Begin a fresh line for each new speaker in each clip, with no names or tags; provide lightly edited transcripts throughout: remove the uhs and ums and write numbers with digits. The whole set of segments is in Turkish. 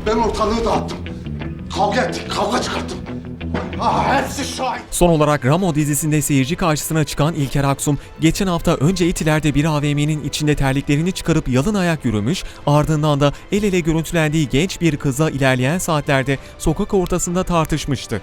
Ben ortalığı dağıttım. Kavga ettik, kavga çıkarttım. Hepsi şahit.
Son olarak Ramo dizisinde seyirci karşısına çıkan İlker Aksum, geçen hafta önce Etiler'de bir AVM'nin içinde terliklerini çıkarıp yalın ayak yürümüş, ardından da el ele görüntülendiği genç bir kızla ilerleyen saatlerde sokak ortasında tartışmıştı.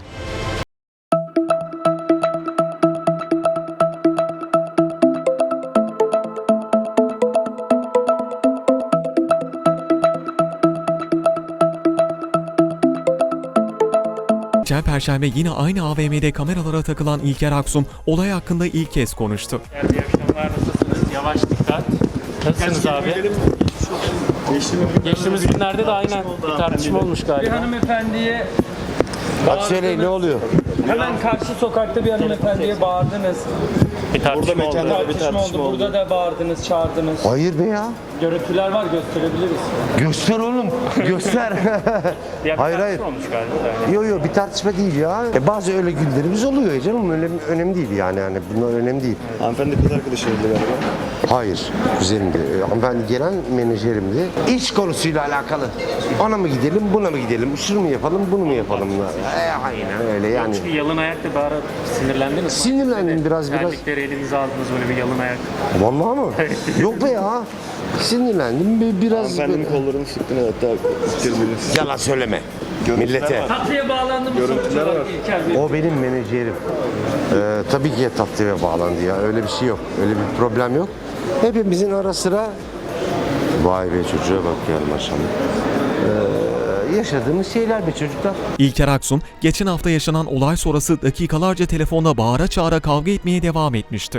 Geçen Perşembe yine aynı AVM'de kameralara takılan İlker Aksum, olay hakkında ilk kez konuştu.
İyi akşamlar, nasılsınız? Yavaş dikkat. Nasılsınız abi? Geçtiğimiz günlerde de aynen bir tartışma olmuş
Bir
galiba.
hanımefendiye
Bak söyleyin ne oluyor?
hemen karşı sokakta bir hanımefendiye bağırdınız.
Bir tartışma oldu.
Tartışma oldu. Burada da bağırdınız, çağırdınız.
Hayır be ya.
Görüntüler var, gösterebiliriz.
Göster oğlum. Göster.
Bir
Hayır,
tartışma olmuş galiba.
Yo yo bir tartışma değil ya. Bazı öyle günlerimiz oluyor canım. Önemli değil yani. Bunlar önemli değil.
Hanımefendi kız arkadaşıydı galiba.
Hayır. Kuzenimdi. Hanımefendi gelen menajerimdi. İş konusuyla alakalı. Ona mı gidelim, buna mı gidelim? Şunu mu yapalım, bunu mu yapalım? Aynen öyle yani.
Çünkü yalın ayakta bir ara sinirlendiniz mi?
Sinirlendim biraz.
Terlikleri elinize aldınız böyle bir yalın ayak.
Vallahi mı? Yok be ya. Sinirlendim biraz.
Hanımefendinin kollarını sıktın hatta birbirinizi.
Yalan söyleme. Millete.
Tatlıya bağlandı mı sonuç olarak İlker Bey?
O benim menajerim. Tabii ki tatlıya bağlandı ya. Öyle bir şey yok. Öyle bir problem yok. Hepimizin ara sıra vay be çocuğa bak ya maşallah. Yaşadığımız şeyler be çocuklar.
İlker Aksum, geçen hafta yaşanan olay sonrası dakikalarca telefonda bağıra çağıra kavga etmeye devam etmişti.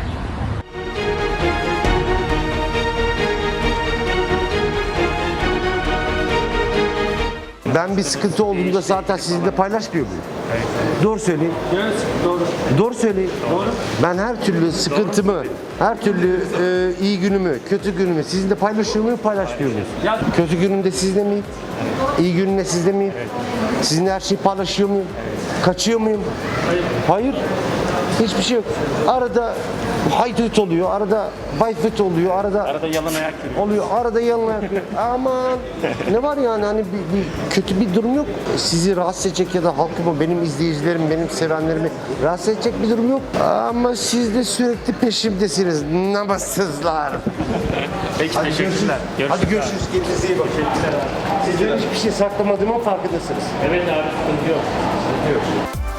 Ben bir sıkıntı olduğunda zaten sizinle paylaşmıyor muyum? Doğru söyleyin.
Evet, doğru.
Doğru söyleyin. Ben her türlü sıkıntımı, her türlü iyi günümü, kötü günümü sizinle paylaşıyor muyum, paylaşmıyor muyum?
Ya-
Kötü günümde sizde miyim? İyi günümde sizde miyim? Sizinle her şeyi paylaşıyor muyum? Kaçıyor muyum? Hayır. Hiçbir şey yok. Arada haydut oluyor, arada bayfut oluyor,
Arada yalın ayak yürüyor.
oluyor, arada yalın ayak. Aman ne var yani hani bir kötü bir durum yok. Sizi rahatsız edecek ya da halkımı, benim izleyicilerim, benim sevenlerimi rahatsız edecek bir durum yok. Ama siz de sürekli peşimdesiniz. Namussuzlar.
Peki teşekkürler.
Hadi görüşürüz. Kendinize iyi bakın. Sizden hiçbir şey saklamadığımın farkındasınız.
Evet abi sıkıntı yok.